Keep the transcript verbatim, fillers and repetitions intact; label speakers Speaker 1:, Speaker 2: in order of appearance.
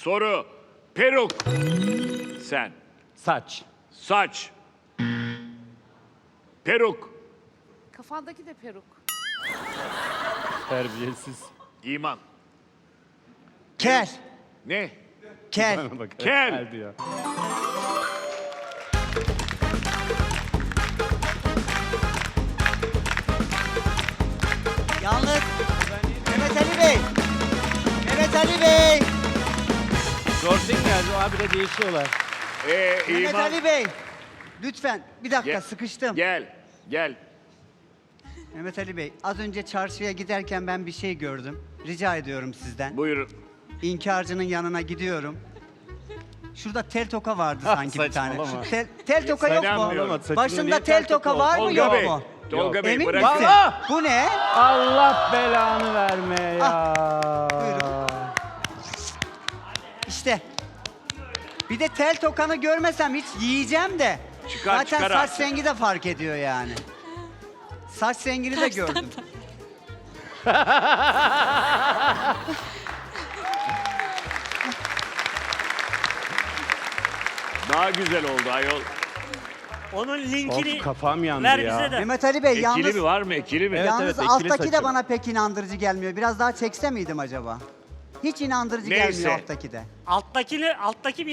Speaker 1: Soru. Peruk. Sen.
Speaker 2: Saç.
Speaker 1: Saç. Peruk.
Speaker 3: Kafandaki de peruk.
Speaker 2: Terbiyesiz.
Speaker 1: İman.
Speaker 4: Kel.
Speaker 1: Ne?
Speaker 4: Kel.
Speaker 2: Bana bak,
Speaker 1: Kel.
Speaker 2: kel diyor.
Speaker 4: Yalnız Mehmet Ali Bey. Mehmet Ali Bey.
Speaker 2: Sorting geldi, o abi de değişiyorlar.
Speaker 1: Ee,
Speaker 4: Mehmet
Speaker 1: İman.
Speaker 4: Ali Bey. Lütfen bir dakika
Speaker 1: Gel.
Speaker 4: sıkıştım.
Speaker 1: Gel. Gel.
Speaker 4: Mehmet Ali Bey, az önce çarşıya giderken ben bir şey gördüm. Rica ediyorum sizden.
Speaker 1: Buyurun.
Speaker 4: İnkarcının yanına gidiyorum. Şurada tel toka vardı sanki bir tane.
Speaker 2: Saçmalama.
Speaker 4: Şu tel, tel toka yok mu?
Speaker 1: Saçmalama,
Speaker 2: saçını
Speaker 4: Başında
Speaker 2: niye
Speaker 4: tel
Speaker 2: tel
Speaker 4: toka
Speaker 2: toka
Speaker 4: var mı
Speaker 2: olsun?
Speaker 4: yok
Speaker 1: Tolga Bey.
Speaker 4: mu?
Speaker 1: Tolga Bey
Speaker 4: Emin
Speaker 1: bırakın.
Speaker 4: misin?
Speaker 2: Ah!
Speaker 4: Bu ne?
Speaker 2: Allah belanı vermeye ya.
Speaker 4: Buyurun. İşte. Bir de tel tokanı görmesem hiç yiyeceğim de.
Speaker 1: Çıkar,
Speaker 4: Zaten
Speaker 1: çıkar
Speaker 4: saç
Speaker 1: artık.
Speaker 4: rengi de fark ediyor yani. Saç rengini de gördüm.
Speaker 1: Daha güzel oldu ayol.
Speaker 5: Onun linkini
Speaker 2: Of, kafam yandı
Speaker 5: ver
Speaker 2: ya.
Speaker 5: bize de.
Speaker 4: Mehmet Ali Bey
Speaker 1: Ekili
Speaker 4: yalnız,
Speaker 1: mi var mı? Ekili mi?
Speaker 2: Evet,
Speaker 4: yalnız
Speaker 2: evet, ekili
Speaker 4: alttaki de
Speaker 2: saçı.
Speaker 4: bana pek inandırıcı gelmiyor. Biraz daha çekse miydim acaba? Hiç inandırıcı
Speaker 1: Neyse.
Speaker 4: gelmiyor alttaki de.
Speaker 5: Alttakini, alttaki bir